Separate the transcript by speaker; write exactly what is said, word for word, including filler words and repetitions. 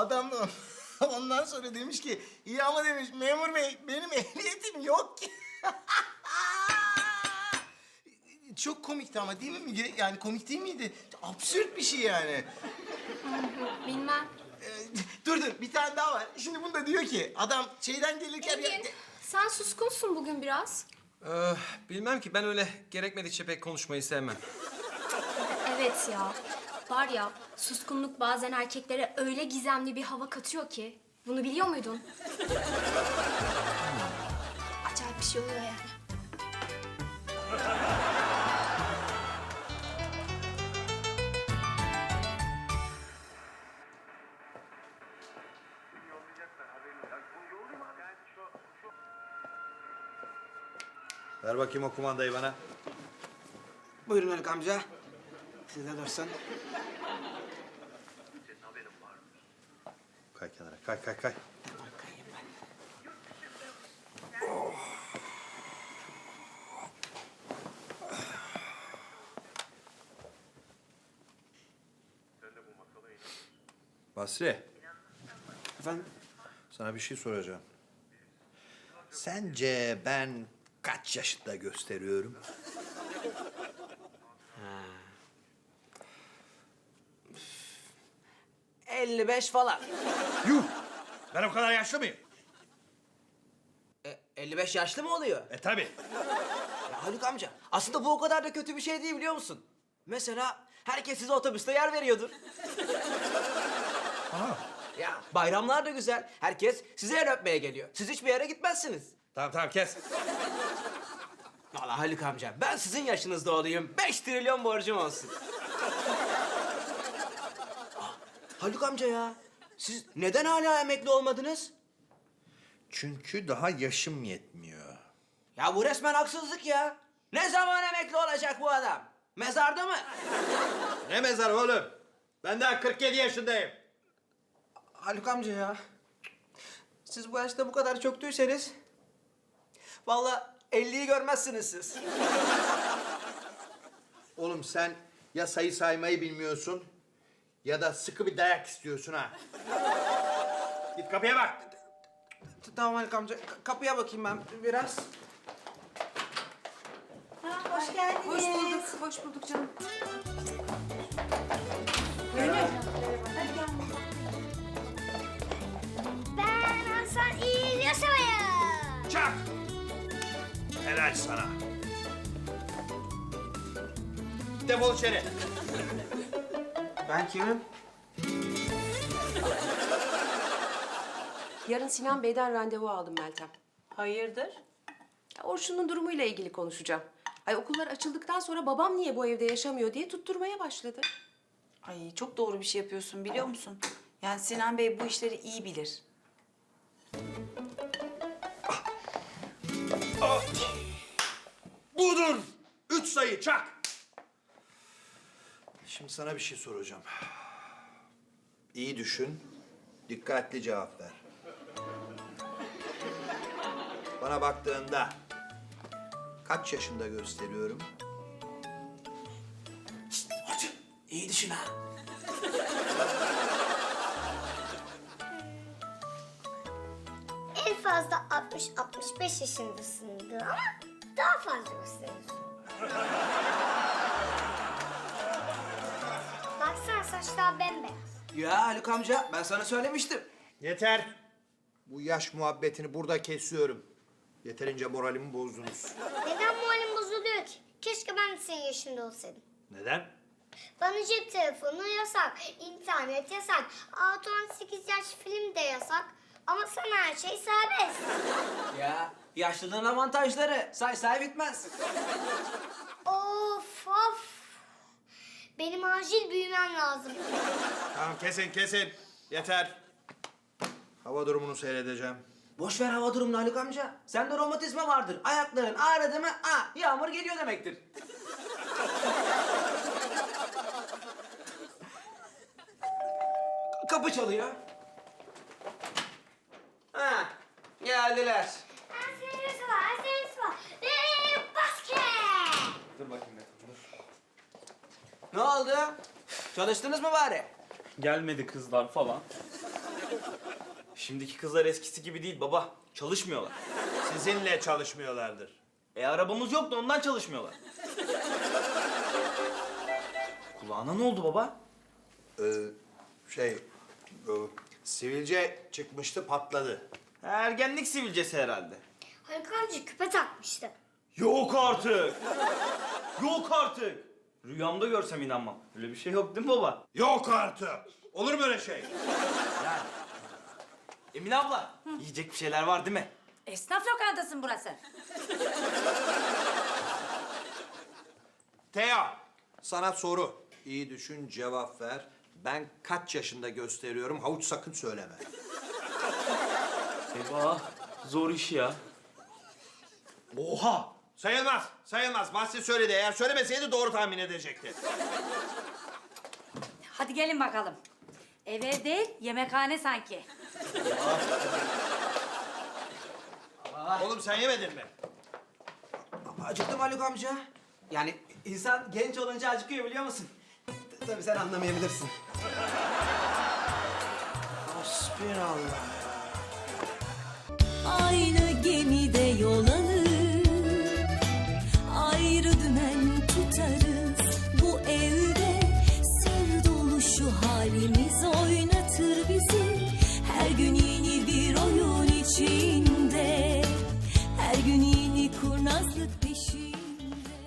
Speaker 1: Adam da ondan sonra demiş ki iyi ama demiş memur bey benim ehliyetim yok ki. Çok komikti ama değil mi Müge? Yani komik değil miydi? Absürt bir şey yani.
Speaker 2: Bilmem.
Speaker 1: Ee, dur dur bir tane daha var. Şimdi bunda diyor ki adam şeyden gelirken...
Speaker 2: Engin, sen suskunsun bugün biraz.
Speaker 3: Ee, bilmem ki ben öyle gerekmedikçe pek konuşmayı sevmem.
Speaker 2: Evet ya. Var ya, suskunluk bazen erkeklere öyle gizemli bir hava katıyor ki. Bunu biliyor muydun? Acayip bir şey oluyor yani.
Speaker 4: Ver bakayım o kumandayı bana.
Speaker 5: Buyurun Haluk amca. Siz de dursun.
Speaker 4: Kay kenara, kay kay kay.
Speaker 5: Bakayım ben.
Speaker 4: Basri,
Speaker 5: Efendim?
Speaker 4: sana bir şey soracağım. Sence ben kaç yaşında gösteriyorum?
Speaker 5: elli beş falan.
Speaker 4: Yuh! Ben o kadar yaşlı mıyım?
Speaker 5: E, elli beş yaşlı mı oluyor?
Speaker 4: E tabii.
Speaker 5: Ya Haluk amca, aslında bu o kadar da kötü bir şey değil biliyor musun? Mesela herkes size otobüste yer veriyordur.
Speaker 4: Aha.
Speaker 5: Ya bayramlar da güzel. Herkes size yer öpmeye geliyor. Siz hiçbir yere gitmezsiniz.
Speaker 4: Tamam tamam kes.
Speaker 5: Vallahi Haluk amca, ben sizin yaşınızda olayım. Beş trilyon borcum olsun. Ah, Haluk amca ya, siz neden hala emekli olmadınız?
Speaker 4: Çünkü daha yaşım yetmiyor.
Speaker 5: Ya bu resmen haksızlık ya. Ne zaman emekli olacak bu adam? Mezarda mı?
Speaker 4: Ne mezar oğlum? Ben daha kırk yedi yaşındayım.
Speaker 5: Haluk amca ya. Siz bu yaşta bu kadar çöktüyseniz... vallahi elliyi görmezsiniz siz.
Speaker 4: Oğlum sen ya sayı saymayı bilmiyorsun ya da sıkı bir dayak istiyorsun ha. Git kapıya bak.
Speaker 5: T- Tamam Haluk amca, ka- kapıya bakayım ben biraz.
Speaker 6: Hoş geldiniz.
Speaker 7: Hoş bulduk, hoş bulduk canım.
Speaker 6: Ben Hasan İyi Yaşamayın.
Speaker 4: Çak! Helal sana. Defol içeri.
Speaker 5: Ben kimim?
Speaker 7: Yarın Sinan Bey'den randevu aldım Meltem.
Speaker 8: Hayırdır?
Speaker 7: Ya Orçun'un durumuyla ilgili konuşacağım. Ay okullar açıldıktan sonra babam niye bu evde yaşamıyor diye tutturmaya başladı.
Speaker 8: Ay çok doğru bir şey yapıyorsun biliyor musun? Yani Sinan Bey bu işleri iyi bilir.
Speaker 4: Budur. Üç sayı çak. Şimdi sana bir şey soracağım. İyi düşün, dikkatli cevap ver. Bana baktığında kaç yaşında gösteriyorum?
Speaker 5: Hadi, iyi düşün ha.
Speaker 6: En fazla altmış altmış beş yaşındasındır ama daha fazla gösteriyorsun. Baksana saçlar bembeyaz.
Speaker 5: Ya Haluk amca, ben sana söylemiştim.
Speaker 4: Yeter. Bu yaş muhabbetini burada kesiyorum. Yeterince moralimi bozdunuz.
Speaker 6: Neden moralim bozuluyor ki? Keşke ben de senin yaşında olsaydım.
Speaker 4: Neden?
Speaker 6: Bana cep telefonu yasak, internet yasak, altı on sekiz yaş film de yasak. Ama sana her şey serbest.
Speaker 5: Ya yaşlılığın avantajları say say bitmez.
Speaker 6: Of of. Benim acil büyümem lazım.
Speaker 4: Tamam kesin kesin. Yeter. Hava durumunu seyredeceğim.
Speaker 5: Boş ver hava durumunu Haluk amca. Sende romatizma vardır. Ayakların ağrıdı mı? Aa, yağmur geliyor demektir. Kapı çalıyor. Ha, geldiler.
Speaker 6: Ersenimiz var, ersenimiz var. Ve basket.
Speaker 3: Dur bakayım Metin, dur.
Speaker 5: Ne oldu? Çalıştınız mı bari?
Speaker 9: Gelmedi kızlar falan. Şimdiki kızlar eskisi gibi değil baba. Çalışmıyorlar.
Speaker 4: Sizinle çalışmıyorlardır.
Speaker 9: E arabamız yok da ondan çalışmıyorlar. Kulağına ne oldu baba?
Speaker 4: Ee, şey, bu sivilce çıkmıştı, patladı.
Speaker 9: Ergenlik sivilcesi herhalde.
Speaker 6: Haluk amca küpe takmıştı.
Speaker 9: Yok artık. Yok artık. Rüyamda görsem inanmam. Öyle bir şey yok değil mi baba?
Speaker 4: Yok artık. Olur mu öyle şey?
Speaker 9: Yani. Emine abla, yiyecek bir şeyler var değil mi?
Speaker 10: Esnaf lokantasın burası.
Speaker 4: Teo, sana soru. İyi düşün, cevap ver. Ben kaç yaşında gösteriyorum? Havuç sakın söyleme.
Speaker 9: Eyvah, zor iş ya.
Speaker 4: Oha! Sayılmaz, sayılmaz. Bahsi söyledi. Eğer söylemeseydi doğru tahmin edecekti.
Speaker 10: Hadi gelin bakalım. Ev ev değil, yemekhane sanki.
Speaker 4: Oğlum sen yemedin mi?
Speaker 5: Acıktım Haluk amca. Yani insan genç olunca acıkıyor biliyor musun? T- Tabii sen anlamayabilirsin. Hasbinallah.
Speaker 11: Aynı gemide yol alır, ayrı dümen tutarız. Bu evde sır dolu şu halimiz o.